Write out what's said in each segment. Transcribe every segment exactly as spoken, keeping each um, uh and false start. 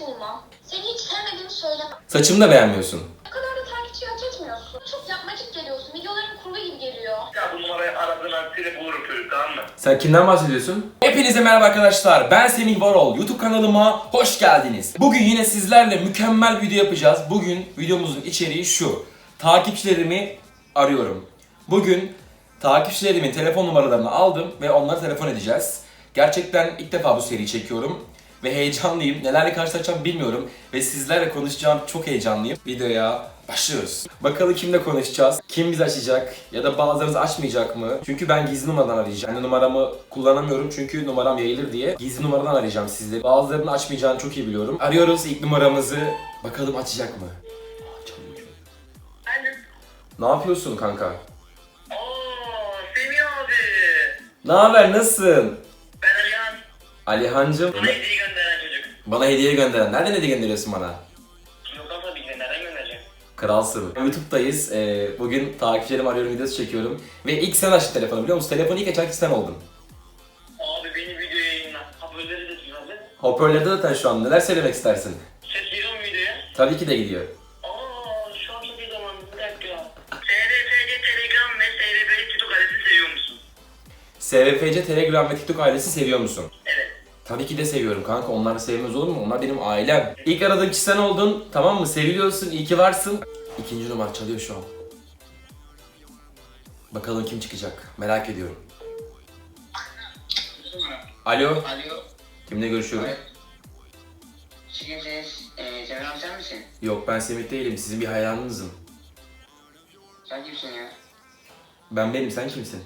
bulmam. Seni hiç sevmediğimi söylemem. Saçımı da beğenmiyorsun. O kadar da takipçi hak etmiyorsun. Çok yapmacık geliyorsun. Videoların kurgu gibi geliyor. Ya bu numarayı aradığın an seni bulurum çocuk, tamam mı? Sen kimden bahsediyorsun? Hepinize merhaba arkadaşlar. Ben Semih Varol. YouTube kanalıma hoş geldiniz. Bugün yine sizlerle mükemmel bir video yapacağız. Bugün videomuzun içeriği şu. Takipçilerimi arıyorum. Bugün takipçilerimin telefon numaralarını aldım ve onlara telefon edeceğiz. Gerçekten ilk defa bu seriyi çekiyorum ve heyecanlıyım. Nelerle karşılaşacağım bilmiyorum ve sizlerle konuşacağım, çok heyecanlıyım. Videoya başlıyoruz. Bakalım kimle konuşacağız? Kim bizi açacak? Ya da bazılarınız açmayacak mı? Çünkü ben gizli numaradan arayacağım. Yani numaramı kullanamıyorum çünkü numaram yayılır diye. Gizli numaradan arayacağım sizleri. Bazılarının açmayacağını çok iyi biliyorum. Arıyoruz ilk numaramızı. Bakalım açacak mı? Aa, çalıyor. Efendim? Ne yapıyorsun kanka? Ooo Semih abi. Ne haber? Nasılsın? Ben Alihan. Alihancım. Bana hediye gönderen çocuk. Bana hediye gönderen. Nereden hediye gönderiyorsun bana? Yoldan tabii ki de nereden göndereceğim? Kralsın. YouTube'dayız. Ee, bugün takipçilerimi arıyorum videosu çekiyorum. Ve ilk sen açtın telefonu biliyor musun? Telefonu ilk açan sen oldun. Abi beni video yayınla. Haberleri de düzenle. Hoparlörde zaten şu an. Neler söylemek istersin? Ses giriyor mu videoya? Tabii ki de gidiyor. Aa şu an çok iyi zaman. Bir dakika. S R F C Telegram ve S R B'li TikTok adresi seviyor musun? S V F C, Telegram ve TikTok ailesi seviyor musun? Evet. Tabii ki de seviyorum kanka. Onları sevmez olur mu? Onlar benim ailem. İlk aradığım kişi sen oldun. Tamam mı? Seviliyorsun. İyi ki varsın. İkinci numara çalıyor şu an. Bakalım kim çıkacak. Merak ediyorum. Alo. Alo. Kimle görüşüyorum? Evet. Şu kimsiniz? Ee, Cemil abi sen misin? Yok ben Semih değilim. Sizin bir hayranınızım. Sen kimsin ya? Ben benim. Sen kimsin?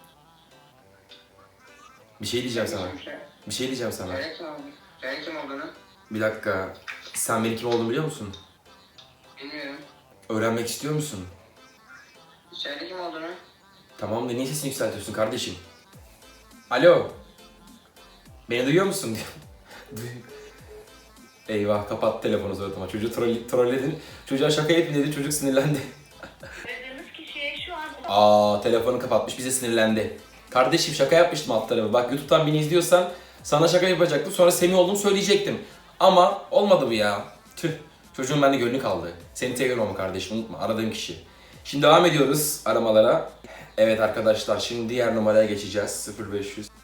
Bir şey diyeceğim sana. Kimsin? Bir şey diyeceğim sana. Söyle kim olduğunu. Söyle kim olduğunu. Bir dakika. Sen benim kim olduğumu biliyor musun? Bilmiyorum. Öğrenmek istiyor musun? Söyle kim olduğunu. Tamam da niye sesini yükseltiyorsun kardeşim? Alo. Beni duyuyor musun? Duy- Eyvah kapat telefonu zaten. Çocuğu troll, trolledin. Çocuğa şaka yapayım dedi. Çocuk sinirlendi. Aradığınız kişiye şu an... Aa telefonu kapatmış. Bize sinirlendi. Kardeşim şaka yapmıştım alt tarafı. Bak YouTube'dan beni izliyorsan sana şaka yapacaktım. Sonra Semih olduğumu söyleyecektim. Ama olmadı bu ya. Tüh. Çocuğun bende gönlü kaldı. Seni seviyorum ama kardeşim unutma. Aradığım kişi. Şimdi devam ediyoruz aramalara. Evet arkadaşlar şimdi diğer numaraya geçeceğiz. sıfır beş yüz.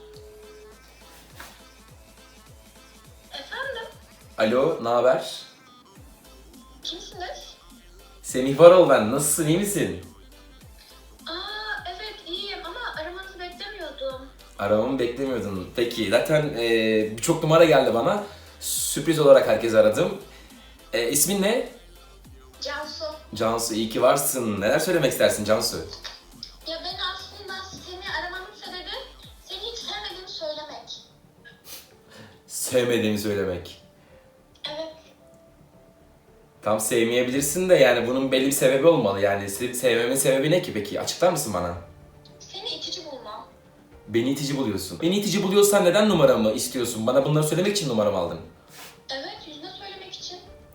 Efendim? Alo, ne haber? Kimsiniz? Semih Varol ben. Nasılsın, iyi misin? Aa evet iyiyim ama aramanızı beklemiyordum. Aramamı beklemiyordun. Peki, zaten e, birçok numara geldi bana. Sürpriz olarak herkes aradım. E, ismin ne? Cansu. Cansu, iyi ki varsın. Neler söylemek istersin Cansu? Ya ben aslında seni aramamın sebebi seni hiç sevmediğimi söylemek. Sevmediğimi söylemek. Evet. Tam sevmeyebilirsin de yani bunun belli bir sebebi olmalı. Yani se- sevmemin sebebi ne ki peki? Açıklar mısın bana? Seni itici bulmam. Beni itici buluyorsun. Beni itici buluyorsan neden numaramı istiyorsun? Bana bunları söylemek için numaramı aldın. Evet yüzüne söylemek için.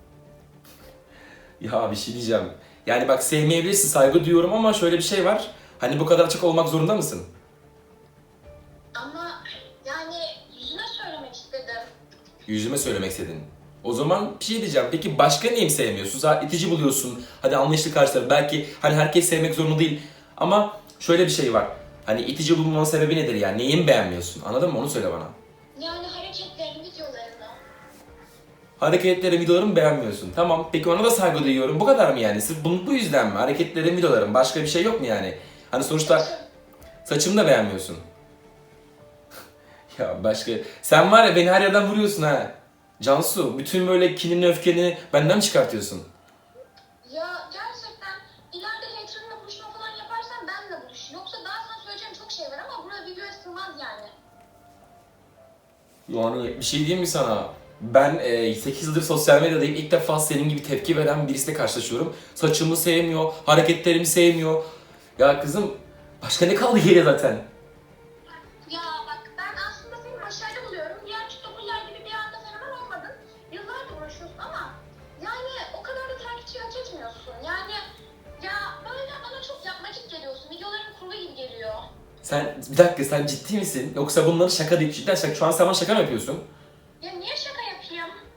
Ya bir şey diyeceğim. Yani bak sevmeyebilirsin, saygı duyuyorum ama şöyle bir şey var. Hani bu kadar açık olmak zorunda mısın? Ama yani yüzüne söylemek istedim. Yüzüme söylemek istedin. O zaman bir şey diyeceğim. Peki başka neyimi sevmiyorsun? Zaten itici buluyorsun. Hadi anlayışlı karşılar. Belki hani herkes sevmek zorunda değil. Ama şöyle bir şey var. Hani itici bulmanın sebebi nedir yani? Neyimi beğenmiyorsun? Anladın mı? Onu söyle bana. Yani hareketlerini, videolarını. Hareketlerim, videolarımı beğenmiyorsun. Tamam. Peki ona da saygı duyuyorum. Bu kadar mı yani? Sırf bu, bu yüzden mi? Hareketlerim, videolarım. Başka bir şey yok mu yani? Hani sonuçta saçımı da beğenmiyorsun. Ya başka... Sen var ya beni her yerden vuruyorsun ha. Cansu, bütün böyle kinini, öfkeni benden mi çıkartıyorsun? Ya gerçekten ileride haterınla buluşma falan yaparsan benle buluş. Yoksa daha sana söyleyeceğim çok şey var ama burada videoya sığmaz yani. Yani bir şey diyeyim mi sana? Ben e, sekiz yıldır sosyal medyadayım. İlk defa senin gibi tepki veren birisiyle karşılaşıyorum. Saçımı sevmiyor, hareketlerimi sevmiyor. Ya kızım, başka ne kaldı geriye zaten? Ya bak ben aslında seni başarılı buluyorum. Diğer TikToker'lar gibi bir anda fenomen olmadın. Yıllardır uğraşıyorsun ama yani o kadar da takipçi hak etmiyorsun. Yani ya böyle bana çok yapmacık geliyorsun. Videoların kurgu gibi geliyor. Sen, bir dakika sen ciddi misin? Yoksa bunları şaka deyip cidden şaka. Şu an sen bana şaka mı yapıyorsun? Ya niye şaka yapayım?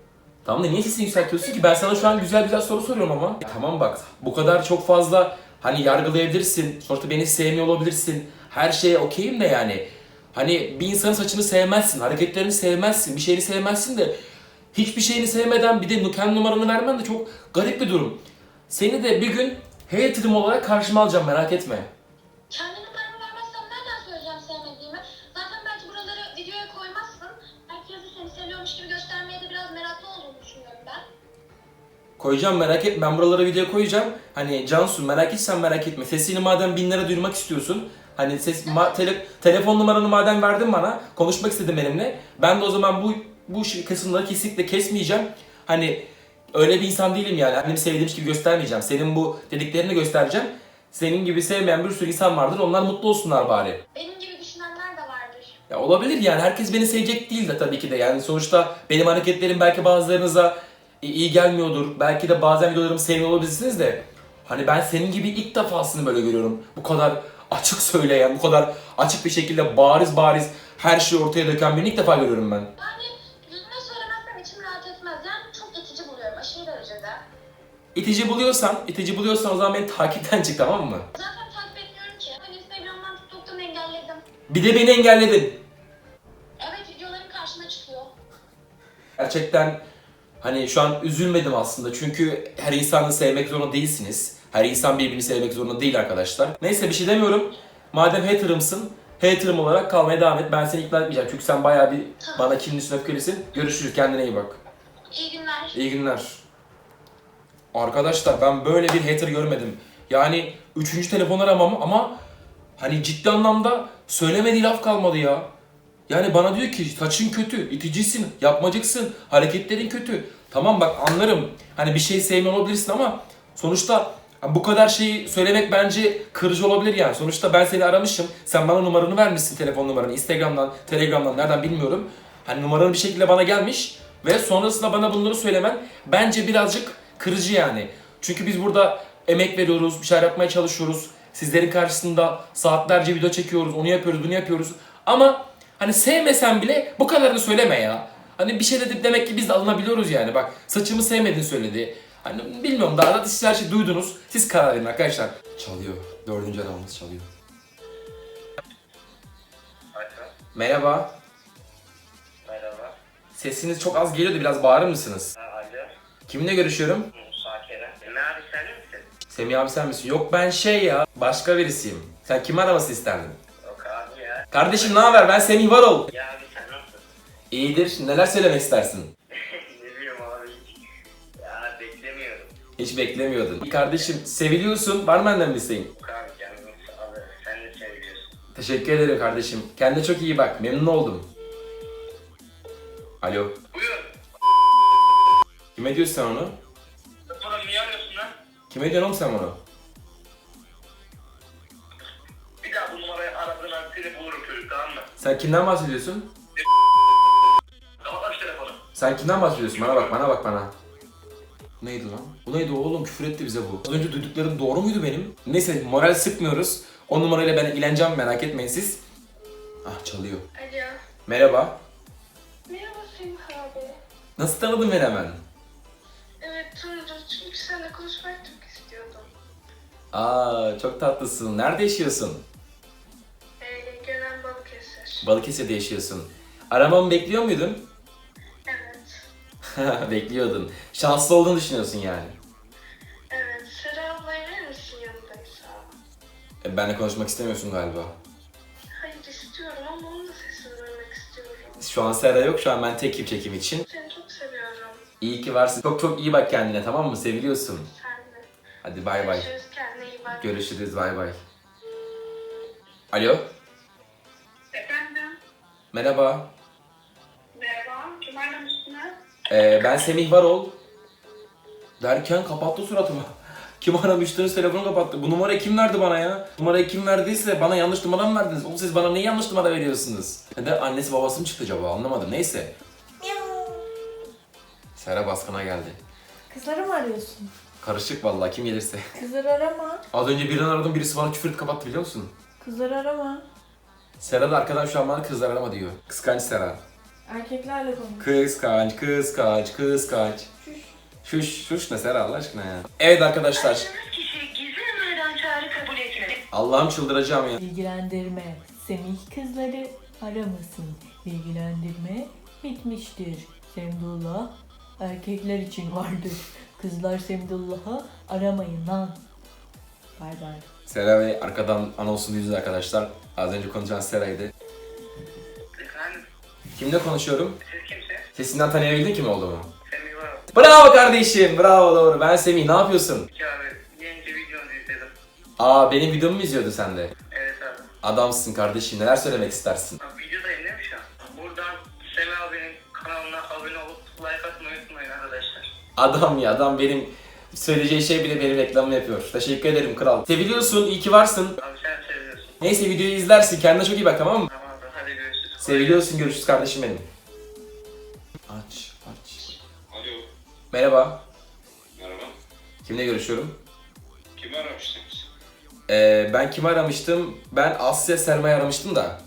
Tamam da niye sesini yükseltiyorsun ki? Ben sana şu an güzel güzel soru soruyorum ama. E, tamam bak, bu kadar çok fazla hani yargılayabilirsin. Sonuçta beni sevmiyor olabilirsin. Her şeye okeyim de yani. Hani bir insanın saçını sevmezsin, hareketlerini sevmezsin, bir şeyini sevmezsin de hiçbir şeyini sevmeden bir de kendi numaranı vermen de çok garip bir durum. Seni de bir gün hater'ım olarak karşıma alacağım, merak etme. Kendi numaramı vermezsem nereden söyleyeceğim sevmediğimi? Zaten belki buraları videoya koymazsın. Herkes de seni seviyormuş gibi göstermeye de biraz meraklı olduğunu düşünüyorum ben. Koyacağım, merak etme, ben buralara video koyacağım. Hani Cansu, merak etsen merak etme. Sesini madem bin lira duyurmak istiyorsun. Hani ses ma- tele- telefon numaranı madem verdin bana, konuşmak istedim benimle. Ben de o zaman bu bu şey- kısımları kesinlikle kesmeyeceğim. Hani öyle bir insan değilim yani. Annemi sevdiğim gibi göstermeyeceğim. Senin bu dediklerini göstereceğim. Senin gibi sevmeyen bir sürü insan vardır. Onlar mutlu olsunlar bari. Benim gibi düşünenler de vardır. Ya olabilir yani, herkes beni sevecek değil de tabii ki de. Yani sonuçta benim hareketlerim belki bazılarınıza iyi gelmiyordur. Belki de bazen videolarımı sevmiyor olabilirsiniz de. Hani ben senin gibi ilk defasını böyle görüyorum. Bu kadar açık söyleyen, bu kadar açık bir şekilde bariz bariz her şeyi ortaya döken birini ilk defa görüyorum ben. Yani yüzüne söylemezsem içim rahat etmez. Yani çok itici buluyorum aşırı derecede. İtici buluyorsan, itici buluyorsan o zaman beni takipten çık, tamam mı? Zaten takip etmiyorum ki. Ben Instagram'dan TikTok'tan engelledim. Bir de beni engelledin. Evet videoların karşıma çıkıyor. Gerçekten hani şu an üzülmedim aslında çünkü her insanı sevmek zorunda değilsiniz. Her insan birbirini sevmek zorunda değil arkadaşlar. Neyse, bir şey demiyorum. Madem hater'ımsın, hater'ım olarak kalmaya devam et. Ben seni ikna etmeyeceğim çünkü sen bayağı bir bana kinlisin, öfkelisin. Görüşürüz, kendine iyi bak. İyi günler. İyi günler. Arkadaşlar ben böyle bir hater görmedim. Yani üçüncü telefon aramam ama hani ciddi anlamda söylemediği laf kalmadı ya. Yani bana diyor ki saçın kötü, iticisin, yapmacıksın, hareketlerin kötü. Tamam bak, anlarım. Hani bir şey sevmiyor olabilirsin ama sonuçta bu kadar şeyi söylemek bence kırıcı olabilir yani. Sonuçta ben seni aramışım, sen bana numaranı vermişsin, telefon numaranı. Instagram'dan, Telegram'dan, nereden bilmiyorum. Hani numaranın bir şekilde bana gelmiş ve sonrasında bana bunları söylemen bence birazcık kırıcı yani. Çünkü biz burada emek veriyoruz, bir şeyler yapmaya çalışıyoruz. Sizlerin karşısında saatlerce video çekiyoruz, onu yapıyoruz, bunu yapıyoruz. Ama hani sevmesen bile bu kadarını söyleme ya. Hani bir şey dedik demek ki biz de alınabiliyoruz yani. Bak, saçımı sevmediğini söyledi. Hani bilmiyorum, daha da siz her şeyi duydunuz. Siz karar verin arkadaşlar. Çalıyor. Dördüncü adamımız çalıyor. Alo. Merhaba. Merhaba. Sesiniz çok az geliyordu. Biraz bağırır mısınız? Ha, alo. Kiminle görüşüyorum? Musa Kerem. Ne abi sen misin? Semih abi sen misin? Yok, ben şey ya. Başka birisiyim. Sen kimi araması isterdin? Yok abi ya. Kardeşim ne haber? Ben Semih Varol. Ya abi sen nasılsın? İyidir. Neler söylemek istersin? Ne bileyim abi. Ya beklemiyorum. Hiç beklemiyordun. Kardeşim seviliyorsun. Var mı benden bir isteğin? Yok abi kendini abi. Sen de seviyorsun. Teşekkür ederim kardeşim. Kendine çok iyi bak. Memnun oldum. Alo. Buyur. Kime diyorsun sen onu? Oğlum niye arıyorsun lan? Kime diyorsun oğlum sen onu? Bir daha bu numarayı aradığın an seni bulurum çocuk, tamam mı? Sen kimden bahsediyorsun? Kapat şu telefonu. Sen kimden bahsediyorsun? Bana bak, bana bak bana. Bu neydi lan? Bu neydi oğlum? Küfür etti bize bu. Az önce duyduklarım doğru muydu benim? Neyse, moral sıkmıyoruz. O numarayla ben ilgileneceğim, merak etmeyin siz. Ah, çalıyor. Alo. Merhaba. Merhaba Semih abi. Nasıl tanıdın beni hemen? Evet tanıdım çünkü seninle konuşmak çok istiyordum. Aa, çok tatlısın. Nerede yaşıyorsun? Ee, Gönen Balıkesir. Balıkesir'de yaşıyorsun. Aramamı bekliyor muydun? Evet. Bekliyordun. Şanslı olduğunu düşünüyorsun yani. Evet. Sera ablayı verir misin yanındaysa? E, benle konuşmak istemiyorsun galiba. Hayır istiyorum ama onun da sesini duymak istiyorum. Şu an Sera yok. Şu an ben tekim çekim için. Seni çok seviyorum. İyi ki varsın. Çok çok iyi bak kendine, tamam mı? Seviliyorsun. Sen de. Hadi bay bay. Görüşürüz, kendine iyi bak. Görüşürüz, bay bay. Alo. Efendim? Merhaba. Merhaba. Kim aramışsınız? Ee, ben Semih Varol. Derken kapattı suratımı. Kim aramıştınız, telefonu kapattı. Bu numarayı kim verdi bana ya? Numarayı kim verdiyse bana yanlış numara mı verdiniz? Oğlum siz bana niye yanlış numara veriyorsunuz? Ya da annesi babası mı çıktı acaba, anlamadım. Neyse. Sera baskına geldi. Kızları mı arıyorsun? Karışık vallahi, kim gelirse. Kızları arama. Az önce birini aradım, birisi bana küfür etti, kapattı biliyor musun? Kızları arama. Sera da arkadan şu an bana kızlar arama diyor. Kıskanç Sera. Erkeklerle konuş. Kıskanç, kıskanç, kıskanç. Şuş. Şuş, şuş ne Sera Allah aşkına ya. Evet arkadaşlar. Aradığınız kişi gizli numaradan çağrı kabul etmedi. Allah'ım çıldıracağım ya. Bilgilendirme. Semih kızları aramasın. Bilgilendirme bitmiştir. Semdullah erkekler için vardır. Kızlar Semdullah'ı aramayın lan. Bay bay. Sera ve arkadan anonsun yüzü arkadaşlar. Az önce konuşan Sera'ydı. Efendim, Kimle konuşuyorum? siz kimse? Sesinden tanıyabildin kim olduğumu? Semih var. Bravo kardeşim, bravo doğru. Ben Semih, ne yapıyorsun? Peki abi, yeni videonuzu izledim. Aa benim videomu mu izliyordun sen de? Evet abi. Adamsın kardeşim, neler söylemek istersin? Abi videodayım değil mi şu an? Buradan Semih abinin kanalına abone olup like atmayı unutmayın arkadaşlar. Adam ya, adam benim söyleyeceği şey bile benim reklamımı yapıyor. Teşekkür ederim kral. Seviliyorsun, iyi ki varsın. Abi sen seviyorsun. Neyse videoyu izlersin, kendine çok iyi bak tamam mı? Tamam abi, hadi görüşürüz. Seviliyorsun, görüşürüz kardeşim benim. Aç, aç. Alo, Merhaba, merhaba. kimle görüşüyorum? Kimi aramıştınız? Ee, ben kimi aramıştım? Ben Asya Selma'yı aramıştım da.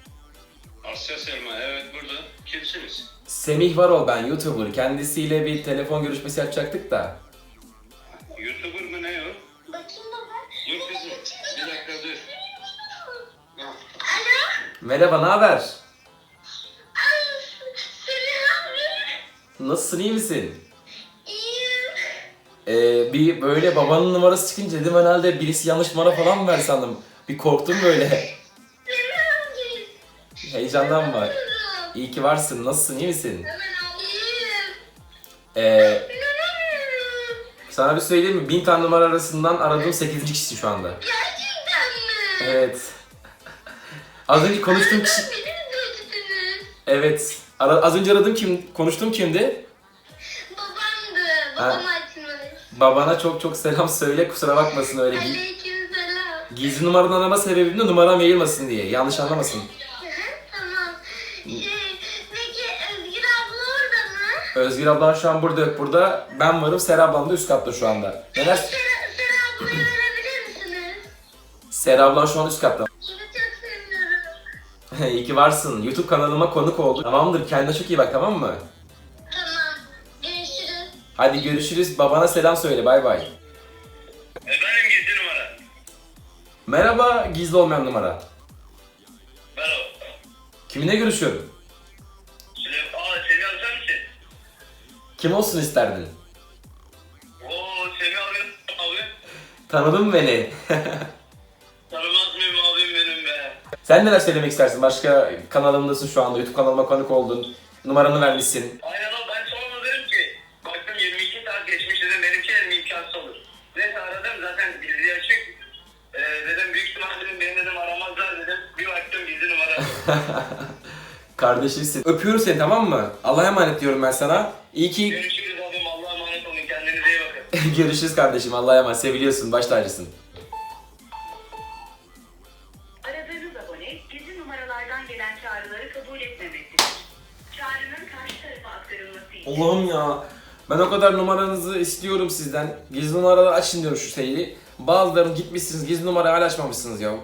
Asya Selma, evet burada. Kimsiniz? Semih Varol ben, YouTuber. Kendisiyle bir telefon görüşmesi yapacaktık da. YouTuber mı ne o? Bakayım baba. Dur kızım, bir dakika dur. Ha, Merhaba, ne haber? Ay, Semih abi. Nasılsın, iyi misin? İyiyim. Ee, bir böyle babanın numarası çıkınca dedim herhalde birisi yanlış numara falan mı ver sandım. Bir korktum böyle. Semih abi. Heyecandan var. Buyurun. İyi ki varsın, nasılsın, iyi misin? Hemen al. İyiyim. Ee, İnanamıyorum. sana bir söyleyeyim mi? Bin tane numara arasından aradığım sekizinci kişi şu anda. Gerçekten mi? Evet. Az önce konuştuğum kişi... Beni mi gördünüz? Evet. Ara- az önce aradığım kim? Konuştuğum kimdi? Babamdı. Babam açmış. Babana çok çok selam söyle, kusura bakmasın öyle. Gi- Aleykümselam. gizli numaradan arama sebebim de numaram yayılmasın diye. Yanlış anlamasın. Hı hı, tamam. Şey, peki Özgür abla orada mı? Özgür ablan şu an burada yok burada. Ben varım, Sera ablam da üst katta şu anda. Neler? Sera, Sera ablayı verebilir misiniz? Sera ablan şu an üst katta. Bunu çok seviniyorum. İyi ki varsın. YouTube kanalıma konuk oldun. Tamamdır, kendine çok iyi bak tamam mı? Tamam. Görüşürüz. Hadi görüşürüz. Babana selam söyle. Bay bay. Efendim gizli numara. Merhaba, gizli olmayan numara. Merhaba. Kiminle görüşüyorum? Süleyman, aa Semih abi sen misin? Kim olsun isterdin? Oo Semih abi, abi. Tanıdın mı beni? Tanımaz mıyım abim benim be? Sen neler söylemek istersin? Başka kanalımdasın şu anda. YouTube kanalıma konuk oldun. Numaranı vermişsin. Aynen o, ben sonra dedim ki baktım yirmi iki saat geçmiş dedim benimki dedim imkansız olur. Neyse aradım zaten bildiği açık. Ee, dedim büyük ihtimal dedim beni dedim aramazlar dedim. Bir baktım gizli numara. Kardeşimsin. Öpüyorum seni tamam mı? Allah'a emanet diyorum ben sana. İyi ki Görüşürüz abim, Allah'a emanet olun, kendinize iyi bakın. görüşürüz kardeşim. Allah'a emanet. Seviliyorsun. Baş tacısın. Aradığınız abone gizli numaralardan gelen çağrıları kabul etmemektedir. Çağrının karşı tarafa aktarılması için Allah'ım ya. Ben o kadar numaranızı istiyorum sizden. Gizli numaraları açın diyorum şu şeyi. Bazılarını gitmişsiniz gizli numarayı hala açmamışsınız ya.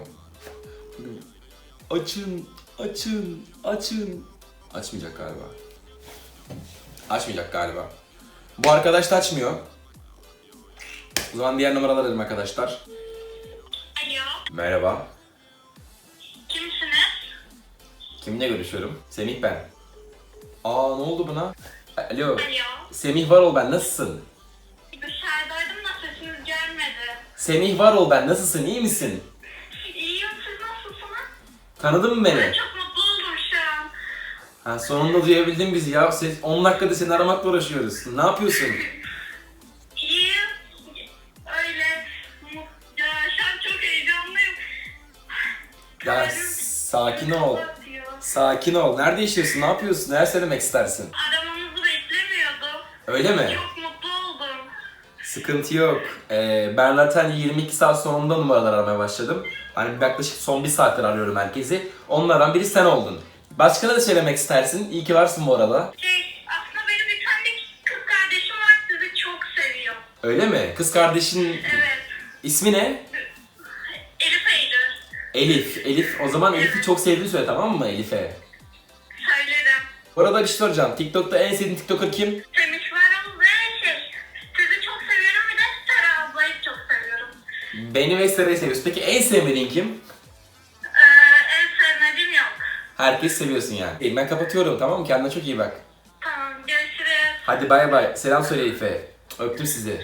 Açın, açın, açın. Açmayacak galiba. Açmayacak galiba. Bu arkadaş da açmıyor. O zaman diğer numaralar dedim arkadaşlar. Alo. Merhaba. Kimsiniz? Kiminle görüşüyorum? Semih ben. Aa ne oldu buna? Alo. Alo. Semih Varol ben, nasılsın? Dışarıdaydım da sesiniz gelmedi. Semih Varol ben, nasılsın, iyi misin? İyiyim, siz nasılsınız? Tanıdın mı beni? Çok mutlu oldum şu an. Ha, sonunda duyabildin bizi ya. Ses, on dakikada seni aramakla uğraşıyoruz. Ne yapıyorsun? İyiyim. Öyle. Mu- Ya şu an çok heyecanlıyım. Ya Kalbim sakin ol. atıyor. Sakin ol. Nerede yaşıyorsun? Ne yapıyorsun? Neler söylemek istersin? Aramanızı beklemiyordum. Öyle mi? Çok mutlu oldum. Sıkıntı yok. Ee, ben zaten yirmi iki saat sonunda numaralar aramaya başladım. Hani yaklaşık son bir saattir arıyorum herkesi. Onlardan biri sen oldun. Başka ne de söylemek istersin? İyi ki varsın bu arada. Şey, aslında benim bir tane kız kardeşim var, sizi çok seviyor. Öyle mi? Kız kardeşin Evet. ismi ne? Elif Eylül. Elif. Elif. O zaman Elif'i çok sevdiğini söyle tamam mı Elif'e? Söylerim. Bu arada bir şey soracağım. TikTok'ta en sevdiğin TikToker kim? Semih Varol ve şey, sizi çok seviyorum, bir de Sara ablayı çok seviyorum. Beni ve Sera'yı seviyorsun. Peki en sevmediğin kim? Ee, en sevmediğim yok. Herkes seviyorsun yani. Ben kapatıyorum, tamam mı? Kendine çok iyi bak. Tamam, görüşürüz. Hadi bay bay. Selam söyle Elif'e. Öptüm sizi.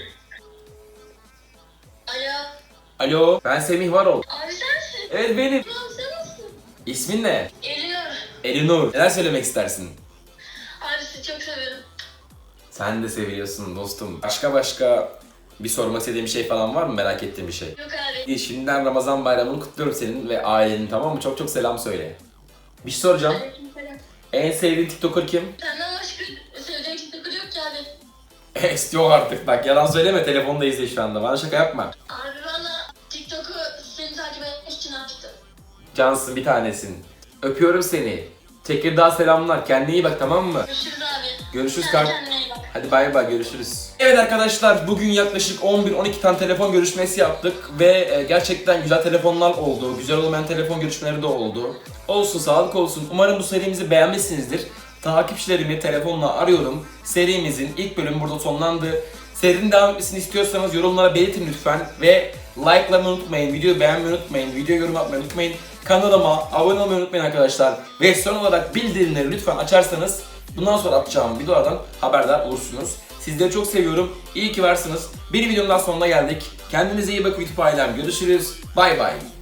Alo. Alo, ben Semih Varol. Abi sensin. Evet benim. Tamam, sen nasılsın? İsmin ne? Geliyor. Elinur. Neler söylemek istersin? Abi sizi çok seviyorum. Sen de seviyorsun dostum. Başka başka bir sormak istediğin bir şey falan var mı? Merak ettiğin bir şey. Yok abi. İyi, şimdiden Ramazan bayramını kutluyorum senin ve ailenin, tamam mı? Çok çok selam söyle. Bir şey soracağım. Aleykümselam. En sevdiğin TikToker kim? Senden başka sevdiğin TikToker yok ki abi. Es yok artık, bak yalan söyleme, telefonda izle şu anda. Bana şaka yapma. Abi valla TikTok'u seni takip etmek için açtım. Cansın, bir tanesin. Öpüyorum seni. Tekirdağ selamlar. Kendine iyi bak, tamam mı? Görüşürüz abi. Görüşürüz Sen kar- kendine iyi bak. Hadi bay bay, görüşürüz. Evet arkadaşlar, bugün yaklaşık on bir on iki tane telefon görüşmesi yaptık ve e, gerçekten güzel telefonlar oldu. Güzel olmayan telefon görüşmeleri de oldu. Olsun, sağlık olsun. Umarım bu serimizi beğenmişsinizdir. Takipçilerimi telefonla arıyorum. Serimizin ilk bölümü burada sonlandı. Serinin devam etmesini istiyorsanız yorumlara belirtin lütfen ve likelamayı unutmayın, videoyu beğenmeyi unutmayın, videoya yorum atmayı unutmayın. Kanalıma abone olmayı unutmayın arkadaşlar. Ve son olarak bildirimleri lütfen açarsanız bundan sonra atacağım videolardan haberdar olursunuz. Sizleri çok seviyorum. İyi ki varsınız. Bir videonun daha sonuna geldik. Kendinize iyi bakın YouTube ailem. Görüşürüz. Bay bay.